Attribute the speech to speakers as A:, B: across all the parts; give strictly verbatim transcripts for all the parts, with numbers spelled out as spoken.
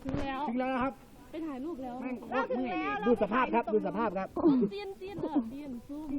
A: ถึงแล้ว
B: ถึงแล้วนะครับ
A: ไปถ่ายรูปแล้ว
B: แม่งโคตรเมื่อยเลยดูสภาพครับดูสภาพครับ
A: เตียนเตียนเออเตียนซูม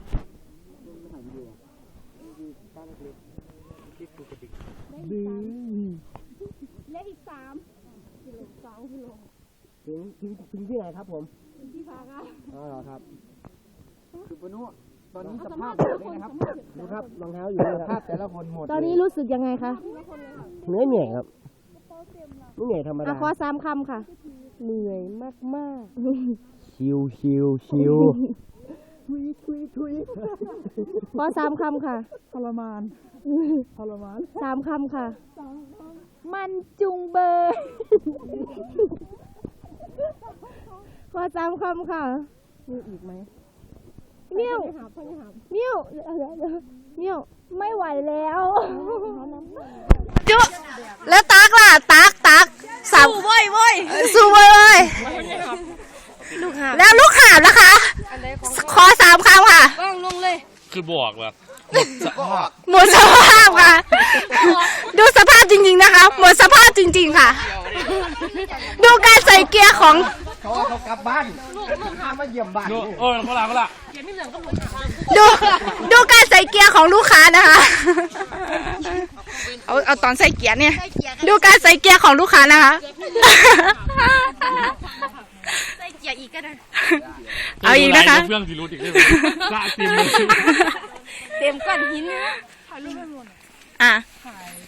B: ดื้อ
A: เล็กอีกสามกิโลสองกิโล
B: ถึงถึงถึงที่ไหนครับผม
A: เป็นที่พักอ่ะ
B: อ๋อเหรอครับคือปนุตอนนี้ส
A: สัม
B: ภา
A: ภา
B: พ
A: ษณ์
B: แบ
A: แต่
B: บ
A: ละ
B: นี้
A: คน
B: นะครับ
A: สัมภาษณ์
B: ดูครับรองเท้าอยู่สภาพแต่ละคนหมด
C: ตอนนี้รู้สึกยังไงคะ
B: เหนื่อยเหนื่อยครับไม่เหนื่อยธรรม
C: อ่ะ
B: ดา
C: ขอสามคำค่ะ เหนื่อยมากมาก
B: ชิวชิวชิวทุยทุยทุย
C: ขอสามคำค่ะ
B: ทรมานทรมาน
C: สามคำค่ะ มันจุงเบย ขอสามคำค่ะ มีอีกไหมเมี่ยวเมี่ยวเมี่ยวไม่ไหวแล้วจุแล้วตักล่ะตักตักสามสู้เว้ยเว้ยสู้เว้ยเว้ยแล้วลูกหาบนะคะ ขอสามคำค่ะ
D: คือบอกแบบ
C: หมดสภาพค่ะ ดูสภาพจริงๆนะคะ หมดสภาพจริงๆค่ะ ดูการใส่เกียร์ของ
B: เขาเขากลับบ้านลูกค้ามาเยี่ยมบ้าน
D: ดูโอ้ยเขาละเขาละ
C: ดูดูการใส่เกียร์ของลูกค้านะคะ เอาเอาตอนใส่เกียร์เนี่ย ดูการใส่เกียร์ของลูกค้านะคะ
A: ใส่เกียร์อีกก็ได้
C: เอาอีกนะคะ
D: เครื่องที่รู้อีกได้ไหมละเต็มเลย
A: เต็มก้อนหิน
C: อ่ะ